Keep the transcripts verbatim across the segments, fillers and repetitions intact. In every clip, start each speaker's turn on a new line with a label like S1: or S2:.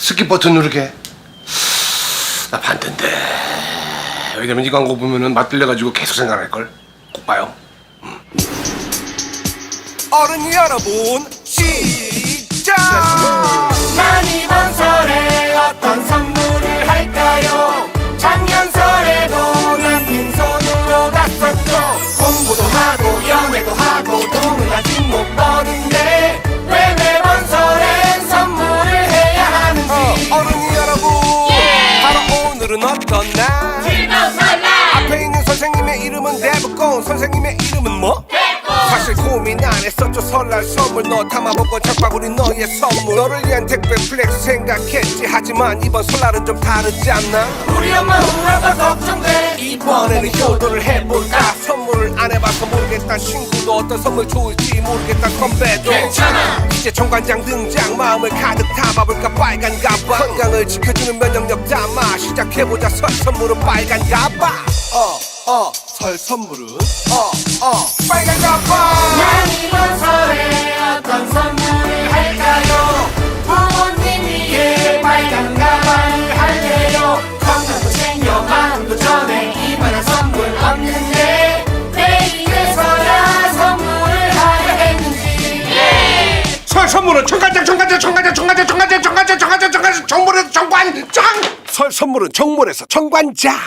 S1: 스킵 버튼 누르게. 나 반대인데. 왜냐면 이 광고 보면은 맛들려가지고 계속 생각날걸. 꼭 봐요. 음. 어른 여러분, 시작!
S2: 난 이번 설에 어떤 선물을 할까요? 작년 설에도 난 빈손으로 갔었죠. 공부도 하고 연애도 하고 돈은 아직 못 버는데 왜 매번 설엔 선물을 해야 하는지.
S1: 어, 어른이 여러분, 예! 바로 오늘은 어떤 날?
S2: 즐거운 설날.
S1: 앞에 있는 선생님의 이름은 대부분, 선생님의 이름은 뭐? 사실 고민 안 했었죠. 설날 선물 너 담아보고 장바구니 너의 선물. 너를 위한 택배 플렉스 생각했지. 하지만 이번 설날은 좀 다르지 않나?
S2: 우리 엄마 우리 아빠 걱정돼.
S1: 이번에는 효도를 해볼까? 선물을 안 해봐서 모르겠다. 친구도 어떤 선물 좋을지 모르겠다. 선배도
S2: 괜찮아.
S1: 이제 정관장 등장. 마음을 가득 담아볼까? 빨간 가방. 건강을 지켜주는 면역력 담아 시작해보자. 설 선물은 빨간 가방. 어어 설 선물은 어어 빨간 가방.
S2: 난 이번 설에 어떤 선물을 할까요? 부모님 위해 빨간 가방을 할래요. 건강도 챙겨 마음도 전해 이만한 선물 없는데 왜 이래서야 선물을 하려 했는지. 예!
S1: 설 선물은 정관장 정관장 정관장 정관장 정관장 정관장 정관장 정관장 정물에서 정관장. 설 선물은 정물에서 정관장.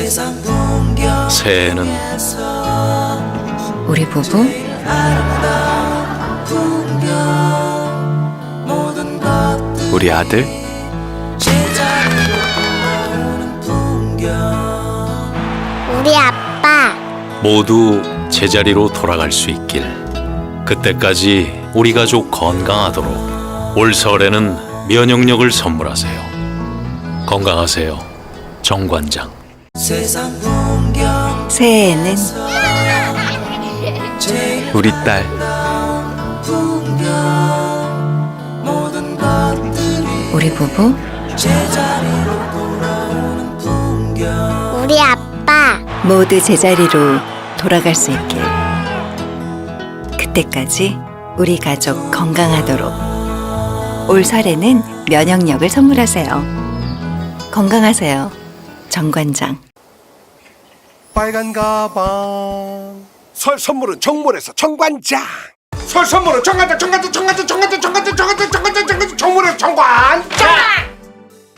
S3: 새해에는
S4: 우리 부부
S3: 우리 아들
S5: 우리 아빠.
S3: 모두 제자리로 돌아갈 수 있길. 그때까지 우리 가족 건강하도록 올 설에는 면역력을 선물하세요. 건강하세요, 정관장.
S4: 새해에는
S3: 우리 딸
S4: 우리 부부
S5: 우리 아빠.
S4: 모두 제자리로 돌아갈 수 있길. 그때까지 우리 가족 건강하도록 올 설에는 면역력을 선물하세요. 건강하세요, 정관장.
S1: 빨간 가방. 설 선물은 정물에서 정관장. 설 선물은 정관장 정관장 정관장 정관장 정관장 정관장 정관장 정관장 정물에서 정관장.